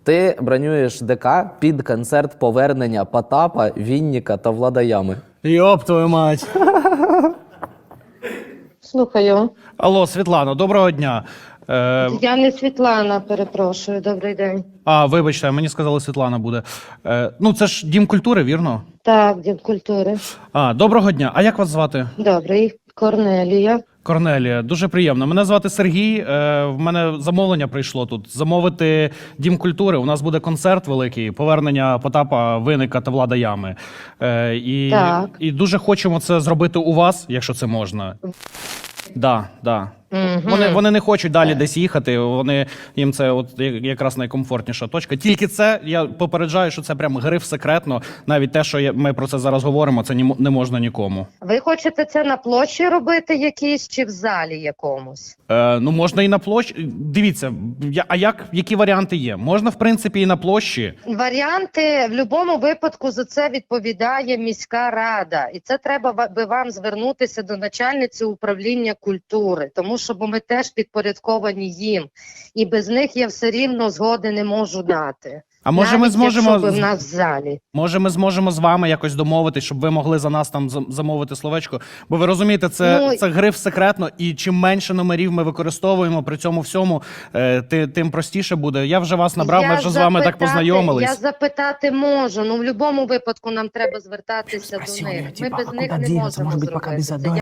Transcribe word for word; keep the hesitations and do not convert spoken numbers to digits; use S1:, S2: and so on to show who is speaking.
S1: Ти бронюєш ДК під концерт повернення Потапа, Вінніка та Влада Ями.
S2: Йоп твою мать.
S3: Слухаю.
S2: Алло, Світлано, доброго дня. Е,
S3: Я не Світлана, перепрошую. Добрий день.
S2: а, вибачте, мені сказали, Світлана буде. Е, ну, це ж Дім культури, вірно?
S3: Так, Дім культури.
S2: А, доброго дня. А як вас звати?
S3: Добрий. Корнелія.
S2: Корнелія, дуже приємно. Мене звати Сергій. Е, в мене замовлення прийшло тут. Замовити Дім культури. У нас буде концерт великий, повернення Потапа, Винника та Влада Ями. Е, і,
S3: Так.
S2: і дуже хочемо це зробити у вас, якщо це можна. Да, да.
S3: Угу.
S2: Вони, вони не хочуть далі десь їхати, вони, їм це от я- якраз найкомфортніша точка. Тільки це, я попереджаю, що це прям гриф секретно. Навіть те, що я- ми про це зараз говоримо, це ні, не можна нікому.
S3: Ви хочете це на площі робити якійсь чи в залі якомусь?
S2: Е, ну, можна і на площі. Дивіться, я, а як, які варіанти є? Можна, в принципі, і на площі.
S3: Варіанти в будь-якому випадку за це відповідає міська рада. І це треба ва- би вам звернутися до начальниці управління культури, тому що бо ми теж підпорядковані їм. І без них я все рівно згоди не можу дати.
S2: А може ми
S3: Навіть
S2: зможемо
S3: якщо би
S2: з-
S3: в нас в залі.
S2: Може, ми зможемо з вами якось домовитись, щоб ви могли за нас там зам- замовити словечко. Бо ви розумієте, це,
S3: Ну,
S2: це гриф секретно, і чим менше номерів ми використовуємо при цьому всьому, е, ти, тим простіше буде. Я вже вас набрав, ми
S3: Я
S2: вже з вами так
S3: запитати-
S2: познайомились.
S3: Я запитати можу, ну в будь-якому випадку нам треба звертатися до них. Ми без них не можемо зробити.